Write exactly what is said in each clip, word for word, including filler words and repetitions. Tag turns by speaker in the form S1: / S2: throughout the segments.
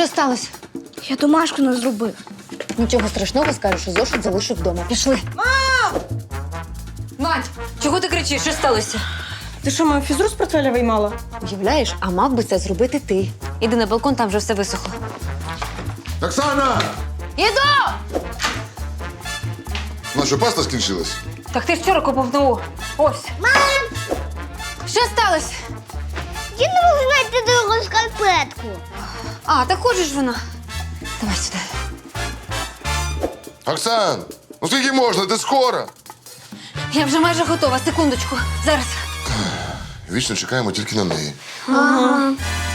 S1: Що сталося?
S2: Я домашку не зробив.
S1: Нічого страшного, скажеш, що зошит залишив вдома. Пішли.
S2: Мам!
S1: Мать, чого ти кричиш? Що сталося?
S2: Ти що, мою фізру з портфеля виймала?
S1: Уявляєш, а мав би це зробити ти. Іди на балкон, там вже все висохло.
S3: Оксана!
S1: Іду!
S3: У нас що, паста скінчилась?
S1: Так ти вчора купив. Ось.
S2: Мам!
S1: Що сталося?
S2: Я не можу знайти другу шкарпетку.
S1: А, так хочеш вона? Давай сюди.
S3: Оксан, ну скільки можна? Ти скоро?
S1: Я вже майже готова. Секундочку. Зараз.
S3: Вічно чекаємо тільки на неї.
S1: Ага.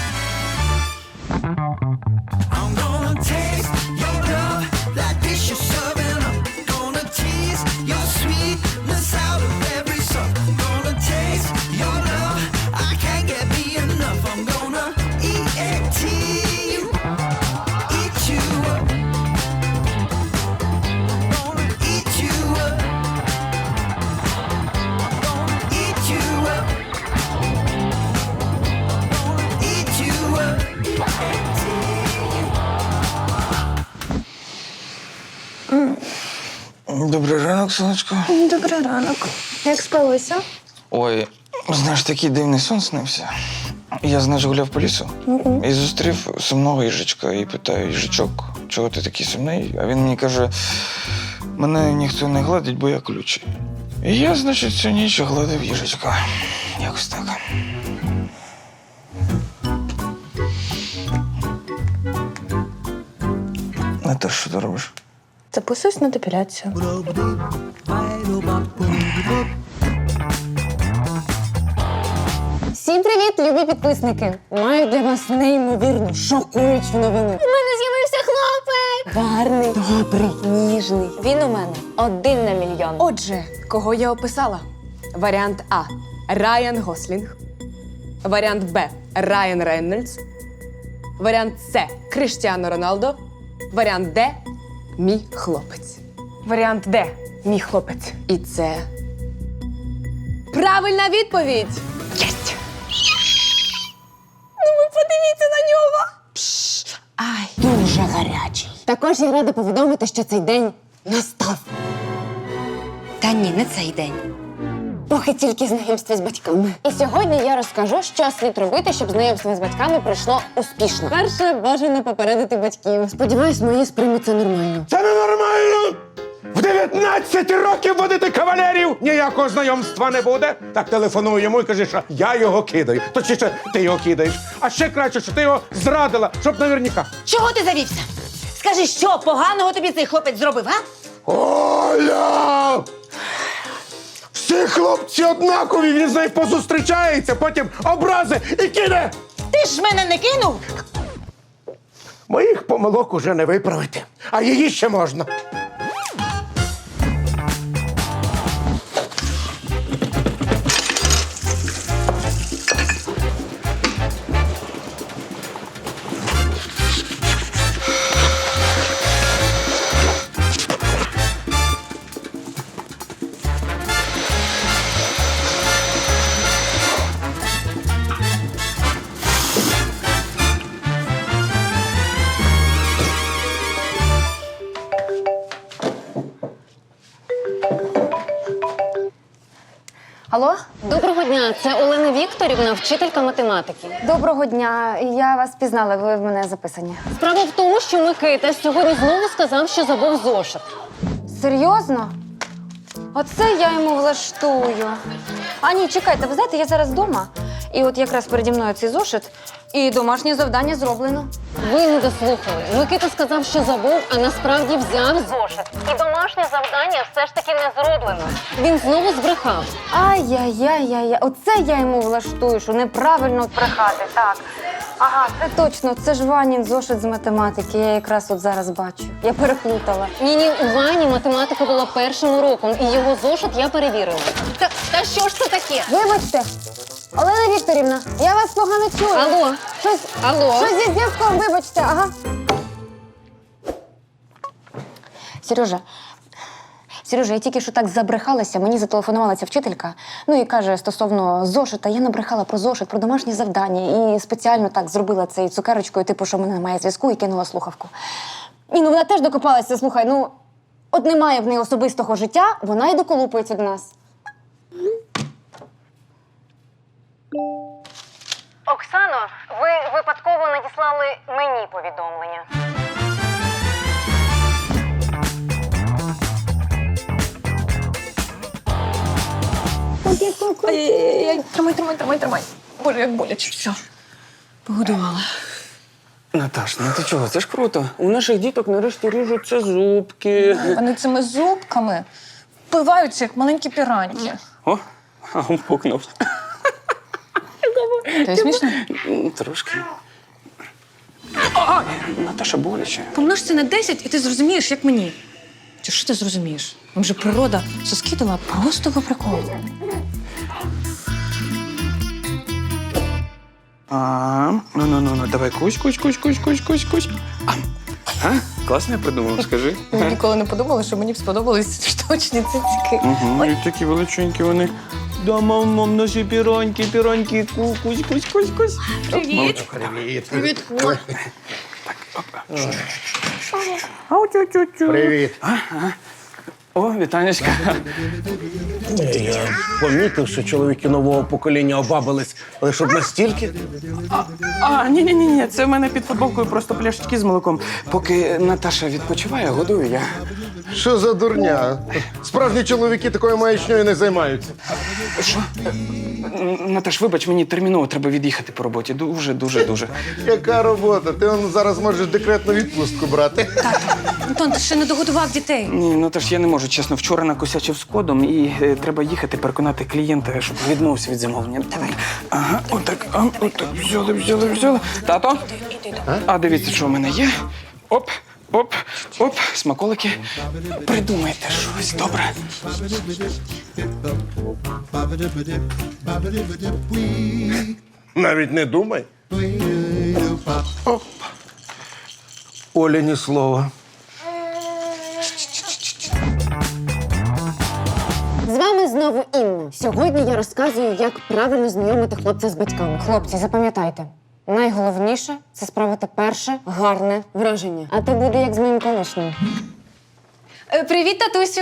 S4: Добрий ранок, сонечко.
S2: Добрий ранок. Як спалося?
S4: Ой, знаєш, такий дивний сон снився. Я, знаєш, гуляв по лісу і зустрів сумного їжачка і питаю: їжачок, чого ти такий сумний? А він мені каже: мене ніхто не гладить, бо я колючий. І я, значить, цю ніч гладив їжачка. Якось так. А ти що ти робиш?
S2: Записуюсь на депіляцію.
S1: Всім привіт, любі підписники! Маю для вас неймовірну, шокуючу новину. У мене з'явився хлопець! Гарний, добрий, ніжний. Він у мене один на мільйон.
S5: Отже, кого я описала? Варіант А – Райан Гослінг. Варіант Б – Райан Рейнольдс. Варіант С – Кріштіану Роналдо. Варіант Д – мій хлопець. Варіант Д – мій хлопець. І це правильна відповідь! Єсть! Ну ви подивіться на нього!
S1: Ай, дуже гарячий. Також я рада повідомити, що цей день настав. Та ні, не цей день. Поки тільки знайомство з батьками. І сьогодні я розкажу, що слід робити, щоб знайомство з батьками пройшло успішно. Перше, бажано попередити батьків. Сподіваюсь, мої сприймуть це нормально.
S6: Це ненормально! В дев'ятнадцять років водити кавалерів! Ніякого знайомства не буде. Так телефоную йому і кажи, що я його кидаю. Точніше, ти його кидаєш. А ще краще, що ти його зрадила, щоб наверняка.
S7: Чого ти завівся? Скажи, що поганого тобі цей хлопець зробив, а?
S6: Оля! Всі хлопці однакові, він з нею позустрічається, потім образи і кине!
S7: Ти ж мене не кинув?
S6: Моїх помилок уже не виправити, а її ще можна.
S5: Алло?
S1: Доброго дня, це Олена Вікторівна, вчителька математики.
S5: Доброго дня. Я вас пізнала, ви в мене записані.
S1: Справа в тому, що Микита сьогодні знову сказав, що забув зошит.
S5: Серйозно? Оце я йому влаштую. А ні, чекайте, ви знаєте, я зараз вдома. І от якраз переді мною цей зошит, і домашнє завдання зроблено.
S1: Ви не дослухали. Микита сказав, що забув, а насправді взяв зошит. І домашнє завдання все ж таки не зроблено. Він знову збрехав.
S5: Ай-яй-яй-яй, оце я йому влаштую, що неправильно брехати, так. Ага, це точно, це ж Ванін зошит з математики, я якраз от зараз бачу. Я переплутала.
S1: Ні-ні, у Вані математика була першим уроком, і його зошит я перевірила.
S7: Та, та що ж це таке?
S5: Вибачте, Олена Вікторівна, я вас погано чую.
S1: Алло,
S5: Щось,
S1: алло.
S5: щось зі зв'язком, вибачте, ага. Сережа,
S1: Сережа, я тільки що так забрехалася, мені зателефонувала ця вчителька. Ну і каже, стосовно зошита, я набрехала про зошит, про домашні завдання і спеціально так зробила це цукерочкою, типу, що в мене немає зв'язку, і кинула слухавку. І ну вона теж докопалася, слухай, ну, от немає в неї особистого життя, вона й доколупується до нас. Оксано, ви випадково надіслали мені повідомлення.
S5: Ай-яй-яй, тримай, тримай, тримай, тримай. Боже, як боляче. Все. Погодувала.
S4: Наташ, ну ти чого? Це ж круто. У наших діток нарешті ріжуться зубки.
S8: Вони цими зубками впиваються, як маленькі піраньки.
S4: О, а он пукнув.
S8: Ти смішно?
S4: М, Трошки. Ай, Наташа, боляче.
S8: Помнож це на десять, і ти зрозумієш, як мені. Чи що ти зрозумієш? Вам же природа соски дала просто по приколу.
S4: А, ну, ну, ну, ну, давай кусь, кусь, кусь, кусь, кусь, кусь, кусь. А, а? Класно я придумав, скажи.
S8: Я ніколи не подумала, що мені б сподобались штучні цицьки.
S4: Угу, і такі величенькі вони. Да, мам, мам, наші піроньки, піроньки, ку- кусь, кусь, кусь, кусь.
S8: Привіт.
S6: Привіт.
S8: Привіт.
S4: Ау, тю-тю-тю.
S6: Привіт.
S4: О, вітанечка.
S6: Я помітив, що чоловіки нового покоління обабились, але щоб настільки.
S4: А, ні, ні, ні, ні, це в мене під футболкою просто пляшечки з молоком. Поки Наташа відпочиває, годую я.
S3: Що за дурня? Справжні чоловіки такою маячньою не займаються.
S4: Що? Н- Наташ, вибач, мені терміново треба від'їхати по роботі. Дуже, дуже, дуже.
S3: Яка робота? Ти он зараз можеш декретну відпустку брати.
S8: Антон, ти ще не догодував дітей.
S4: Ні, Наташ, я не можу, чесно. Вчора накосячив з кодом і е, треба їхати переконати клієнта, щоб відмовився від замовлення. Давай. Ага, отак, а, отак, взяли, взяли, взяли. Тато? А дивіться, що в мене є. Оп, оп, оп, смаколики. Придумайте щось, добре?
S6: Навіть не думай. Оп. Оля ні слова.
S1: З вами знову Інна. Сьогодні я розказую, як правильно знайомити хлопця з батьками. Хлопці, запам'ятайте, найголовніше – це справити перше гарне враження. А то буде як з моїм колишнім.
S5: Е, Привіт, татусю.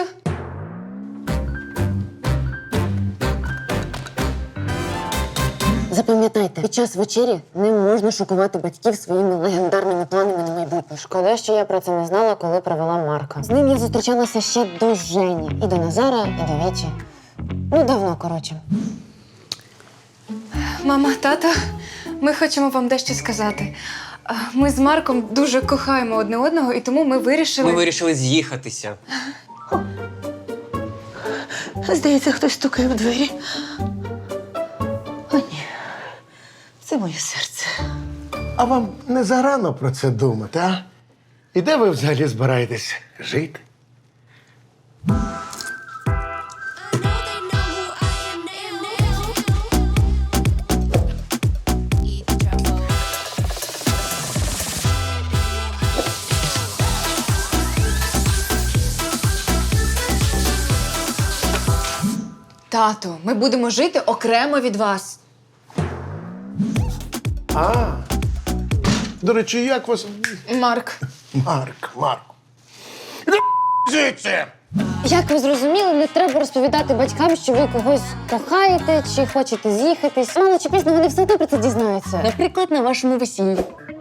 S1: Запам'ятайте, під час вечері не можна шокувати батьків своїми легендарними планами на майбутнє. Шкода, що я про це не знала, коли провела Марка. З ним я зустрічалася ще до Жені. І до Назара, і до Віті. Ну, давно, коротше.
S5: Мама, тато, ми хочемо вам дещо сказати. А, Ми з Марком дуже кохаємо одне одного, і тому ми вирішили.
S9: Ми вирішили з'їхатися.
S8: Здається, хтось стукає в двері. О, ні. Це моє серце.
S6: А вам не зарано про це думати, а? І де ви взагалі збираєтесь жити?
S5: Тато, ми будемо жити окремо від вас.
S6: А. До речі, як вас?
S5: Марк.
S6: Марк, Марк. Іди звідси!
S1: Як ви зрозуміли, не треба розповідати батькам, що ви когось кохаєте чи хочете з'їхатись. Мало чи пізно вони все одно про це дізнаються. Наприклад, на вашому весіллі.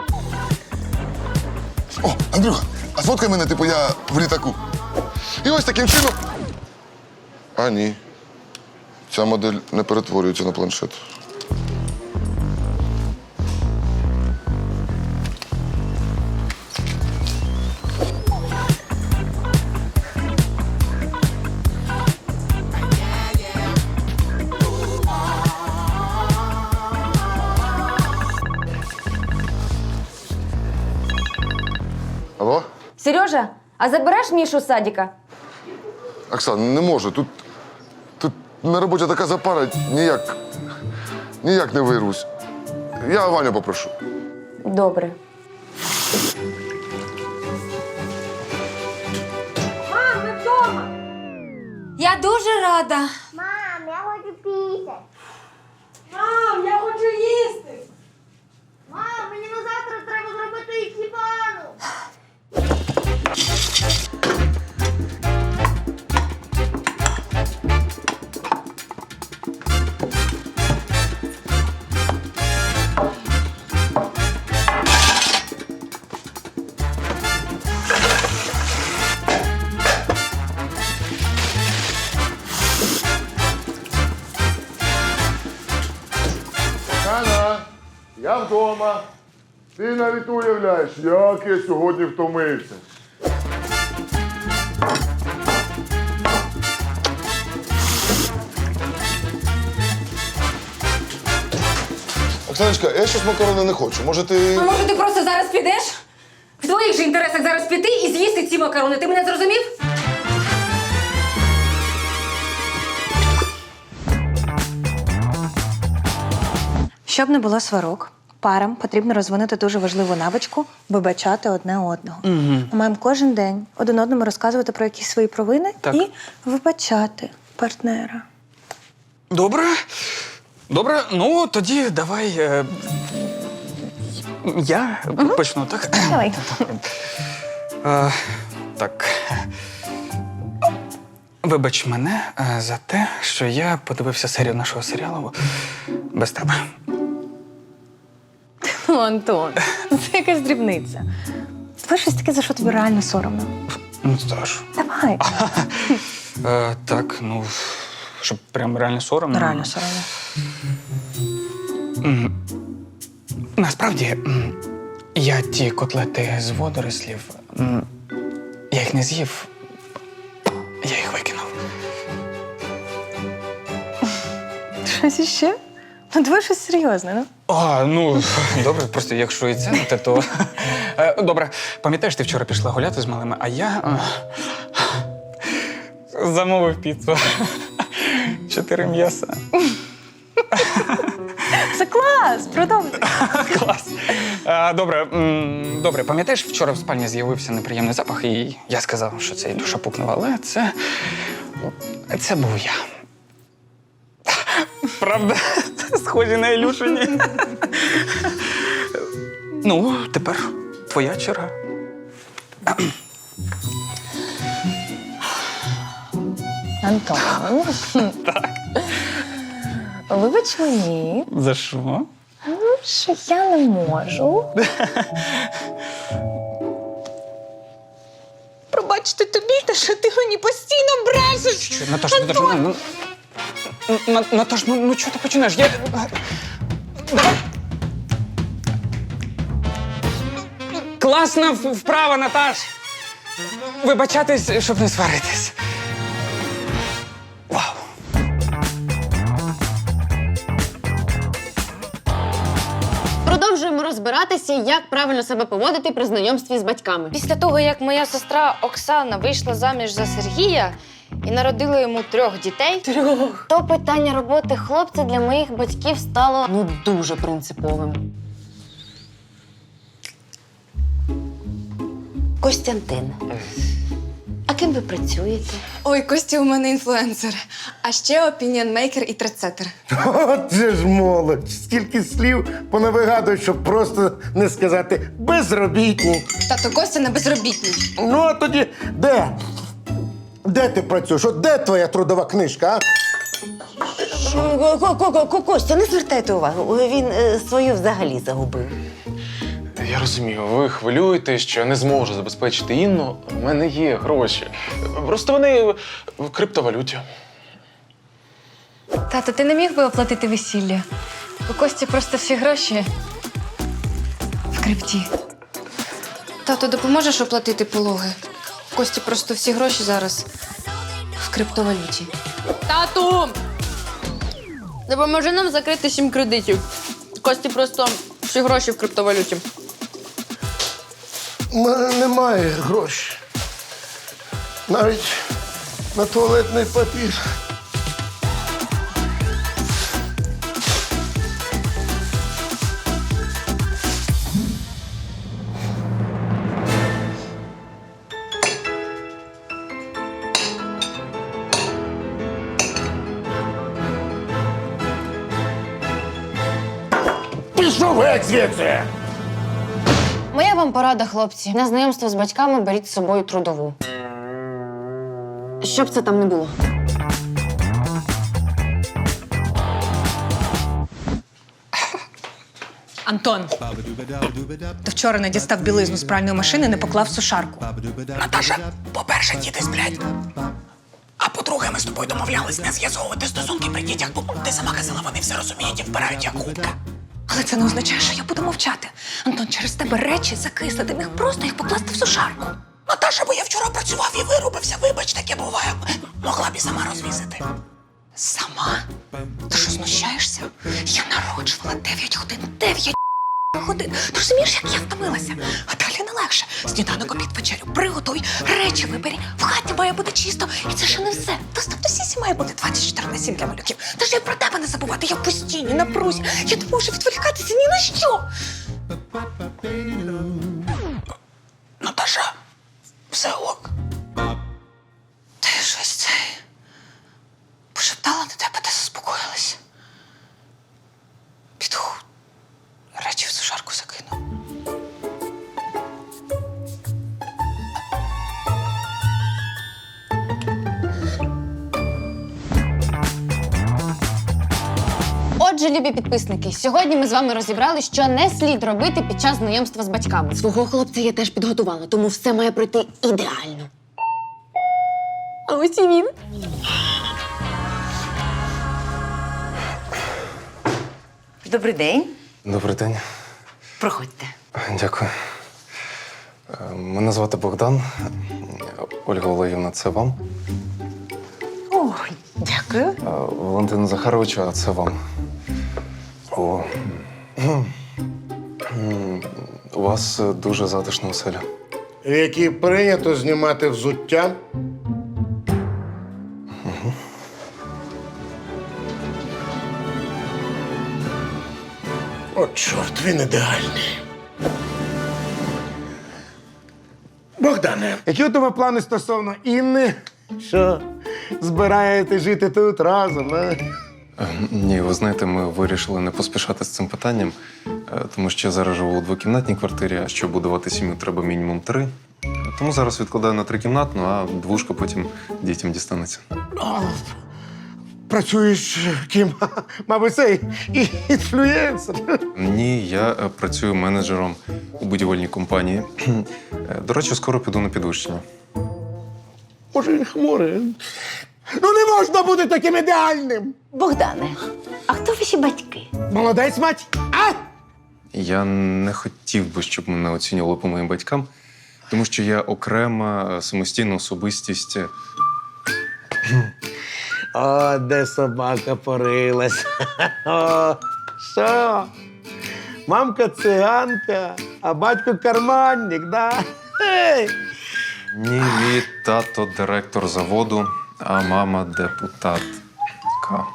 S3: О, Андрюха, а сфоткай мене, типу я в літаку. І ось таким чином. А ні. Ця модель не перетворюється на планшет. Алло?
S1: Сережа, а забереш Мішу з садика?
S3: Оксан, не можу. Тут, тут на роботі така запара, ніяк, ніяк не вирвусь. Я Ваню попрошу.
S1: Добре.
S8: Я дуже рада.
S2: Мам, я хочу пісять.
S5: Мам, я хочу їсти!
S2: Мам, мені на завтра треба зробити ікібану.
S3: Оксана, я вдома. Ти навіть уявляєш, як я сьогодні втомився. Оксаночка, я щось макарони не хочу. Може ти.
S8: А може ти просто зараз підеш? В твоїх же інтересах зараз піти і з'їсти ці макарони. Ти мене зрозумів? Щоб не було сварок, парам потрібно розвинути дуже важливу навичку вибачати одне одного. Угу. Ми маємо кожен день один одному розказувати про якісь свої провини
S4: Так.
S8: і вибачати партнера.
S4: Добре. Добре, ну тоді давай. Е... Я почну, так?
S8: Давай.
S4: Е, так. Вибач мене е, за те, що я подивився серію нашого серіалу без тебе.
S8: Ну, Антон, це якась дрібниця. Це щось таке, за що тобі реально соромно.
S4: Ну, тож.
S8: Давай.
S4: Е, так, ну, щоб прям реально соромно.
S8: Реально соромно.
S4: Насправді, м, я ті котлети з водорослів, м, я їх не з'їв, я їх викинув.
S8: Щось іще? Ну, давай щось серйозне, ну.
S4: А, ну, добре, просто якщо і це не те, то... Е, Добре, пам'ятаєш, ти вчора пішла гуляти з малими, а я е, замовив піцу. Чотири м'яса.
S8: Це клас! Продовжуй.
S4: Клас. Е, Добре, м, добре, пам'ятаєш, вчора в спальні з'явився неприємний запах, і я сказав, що це Ілюша пукнув, але це... Це був я. Правда, схожі на Ілюшині. Ну, тепер твоя черга.
S8: Антон. Так. Вибач мені,
S4: За що?
S8: що я не можу. Пробачте тобі, та що ти мені постійно брешеш.
S4: Що, Наташ, Наташ, ну, ну, На- Наташ, ну, ну чого ти починаєш? Я... Давай. Класна в- вправа, Наташ! Вибачатись, щоб не сваритись. Вау!
S1: Продовжуємо розбиратися, як правильно себе поводити при знайомстві з батьками.
S9: Після того, як моя сестра Оксана вийшла заміж за Сергія і народила йому трьох дітей,
S1: Трьох. То питання роботи хлопця для моїх батьків стало ну дуже принциповим. Костянтин, а ким ви працюєте?
S5: Ой, Костя у мене інфлюенсер. А ще опініонмейкер і трендсеттер.
S10: От же ж молодь. Скільки слів понавигадують, щоб просто не сказати безробітні.
S5: Тато Костя на безробітній.
S10: Ну, а тоді де? Де ти працюєш? От де твоя трудова книжка, а?
S7: Костя, не звертайте увагу. Він е, свою взагалі загубив.
S11: Я розумію, ви хвилюєтесь, що я не зможу забезпечити Інну. У мене є гроші. Просто вони в криптовалюті.
S8: Тато, ти не міг би оплатити весілля? У Кості просто всі гроші в крипті.
S9: тато, допоможеш оплатити пологи? У Кості просто всі гроші зараз в криптовалюті.
S5: Тату! Допоможи нам закрити сім кредитів. Кості просто всі гроші в криптовалюті.
S10: У мене немає грошей. Навіть на туалетний папір. Пішов геть звідси!
S1: Моя вам порада, хлопці. На знайомство з батьками беріть з собою трудову. Щоб це там не було.
S8: Антон, ти вчора не дістав білизну з пральної машини, не поклав в сушарку.
S12: Наташа, по-перше, діти сплять. А по-друге, ми з тобою домовлялись не з'ясовувати стосунки при дітях, бо ти сама казала, вони все розуміють і вбирають як губка.
S8: Але це не означає, що я буду мовчати. Антон, через тебе речі закисли, ти міг просто їх покласти в сушарку.
S12: Наташа, бо я вчора працював і вирубився, вибач, таке буває. Могла б і сама розвісити.
S8: Сама? Ти що, знущаєшся? Я народжувала дев'ять годин, дев'ять годин. Ти розумієш, як я втомилася? А далі не легше. Сніданок, обід, вечерю, приготуй, речі вибері. В хаті має бути чисто. І це ще не все. Доступ до сісі має бути двадцять чотири на сім для малюків. Та ж я про тебе не забувати, я в постійній напрузі. Я не можу відволікатися ні на що.
S12: Наташа, все ок.
S8: Ти щось це пошептала на тебе, ти заспокоїлась. Піду речі в сушарку закину.
S1: Отже, любі підписники, сьогодні ми з вами розібрали, що не слід робити під час знайомства з батьками. Свого хлопця я теж підготувала, тому все має пройти ідеально. А ось і він.
S7: Добрий день.
S11: Добрий день.
S7: Проходьте.
S11: Дякую. Е, Мене звати Богдан. Ольга Олегівна, це вам.
S7: Ой, дякую.
S11: Е, Валентина Захаровича, а це вам. О. У вас дуже затишна оселя.
S10: В якій прийнято знімати взуття. О, чорт, він ідеальний. Богдане, які у тебе плани стосовно Інни? Що, збираєте жити тут разом, а?
S11: Е, Ні, ви знаєте, ми вирішили не поспішати з цим питанням, е, тому що я зараз живу у двокімнатній квартирі, а щоб будувати сім'ю, треба мінімум три. Тому зараз відкладаю на трикімнатну, а двушка потім дітям дістанеться.
S10: О, працюєш ким? Мабуть, цей і- інфлюєнсер.
S11: Ні, я е, працюю менеджером у будівельній компанії. Е, До речі, скоро піду на підвищення.
S10: Може, він хмурий. Ну не можна бути таким ідеальним.
S7: Богдане, а хто ваші батьки?
S10: Молодець, мать. А?
S11: Я не хотів би, щоб мене оцінювали по моїм батькам, тому що я окрема е, самостійна особистість. е,
S10: О, де собака порилась. О, що? Мамка циганка, а батько карманник, да? Ей!
S11: Ні, мій тато директор заводу, а мама депутатка.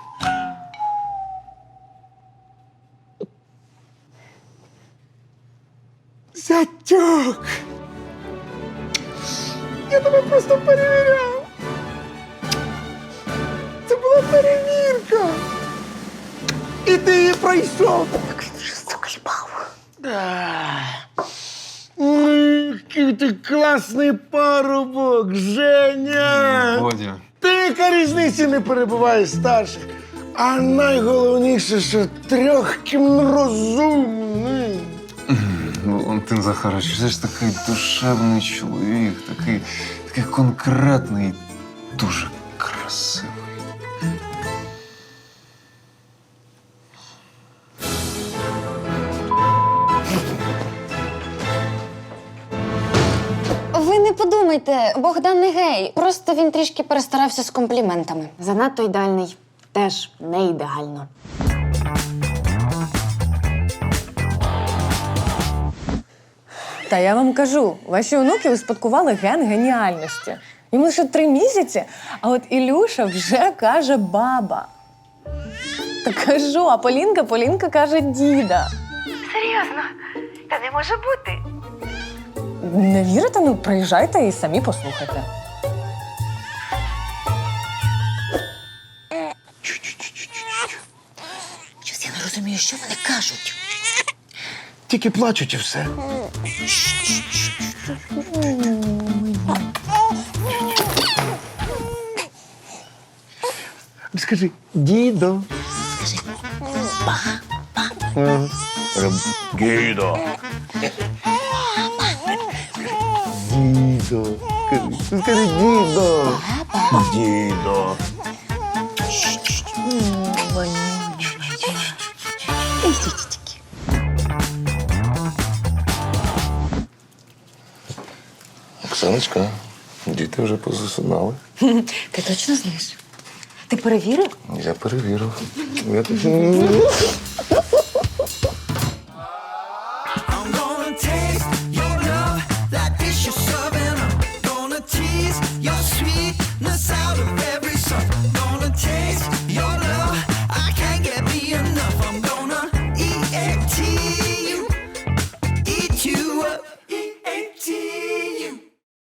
S10: Зятюк! Я тебе просто перевіряв. Це була перевірка. І ти її пройшов.
S7: Заколебав.
S10: Ой, який ти класний парубок, Женя!
S11: Водя.
S10: Ти яка різниці не перебуваєш старших. А найголовніше, що трьохкім розумний.
S11: Валентин Захарович, це ж такий душевний чоловік, такий, такий конкретний, дуже красивий.
S1: Ви не подумайте, Богдан не гей. Просто він трішки перестарався з компліментами. Занадто ідеальний. Теж не ідеально.
S5: Та я вам кажу, ваші онуки успадкували ген геніальності. Йому лише три місяці, а от Ілюша вже каже баба. Та кажу, а Полінка, Полінка каже діда.
S8: Серйозно? Та не може бути.
S5: Не вірите? Ну, приїжджайте і самі послухайте.
S7: Щось я не розумію, що вони кажуть.
S10: Тільки плачуть і все. Скажи, дідо.
S12: Скажи,
S10: Ага. Дідо. Дідо. Скажи, скажи дідо. Дідо.
S3: Оксаночка, діти вже позасинали.
S7: Ти точно знаєш? Ти перевірив?
S3: Я перевірив. Я...